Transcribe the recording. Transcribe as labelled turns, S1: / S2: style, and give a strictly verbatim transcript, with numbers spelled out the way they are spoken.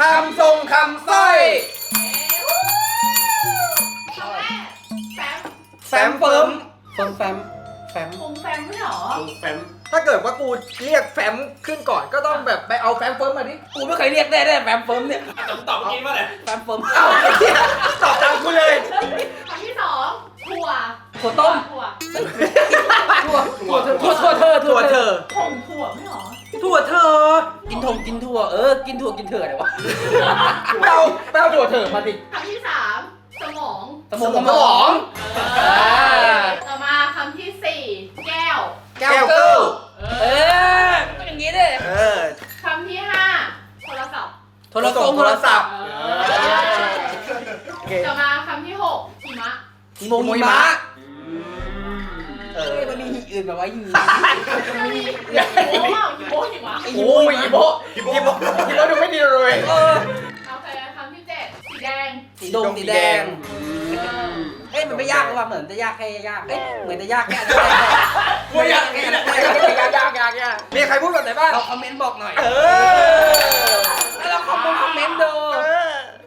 S1: ำทรงคำสร้อย
S2: คำแรกแฟม
S1: แฟมเฟิร์มเฟิร์มแฟมแฟม
S2: คงแฟมไม่หรอ
S3: แฟม
S1: ถ้าเกิดว่ากูเรียกแฟมขึ้นก่อนก็ต้องแบบไปเอาแฟมเฟิร์มมาดิกูไม่เคยเรียกได้ได้แฟมเฟิร์มเนี่ย
S3: ต้องตอบกินว่าอะไร
S1: แฟมเฟิร์มเอ้าไอ้เหี้ยตอบตามกูเลย
S2: คำที่สองถั่ว
S1: ถั่วต้ม
S2: ถั่ว
S1: ถั่วถั่วถั่วถั่วเธอถั่วเธอ
S2: ผงถั่วไม่หรอ
S1: ถั่วเธอกินทงกินถั่วเออกินถั่วกินเธออะไรวะแปลแปลถั่วเธอมาดิ
S2: คำที่สามสมอง
S1: สมองสมอง
S2: เออต่อมาคำที่สี่แก้ว
S1: แก้วเกิลเออต้องอย่างนี้ดิเออ
S2: คำที่ห้าโทรศัพท์
S1: โทรศัพท์โทรศัพท์
S2: เอ
S1: โอเค
S2: อต่อมาคำที่หกหิมะ
S1: หิมงหิมะเออมันมีหีอื่นแบบว่าหี
S2: จะมีหิโมะหิโมะหิมะ
S1: โอ้ยหิโมหิโมหิโมหิโมดูไม่ดีเลยเออ
S2: โอเคคำที่เจ็ดสีแดง
S1: สีดงสีแดงเอ้ยมันไม่ยากหรือว่าเหมือนจะยากแค่ยากเอ้ยเหมือนจะยากแค่นั้นกูยากแค่นั้นยากยากยากยากมีใครพูดแบบไหนบ้างเราคอมเมนต์บอกหน่อยเออ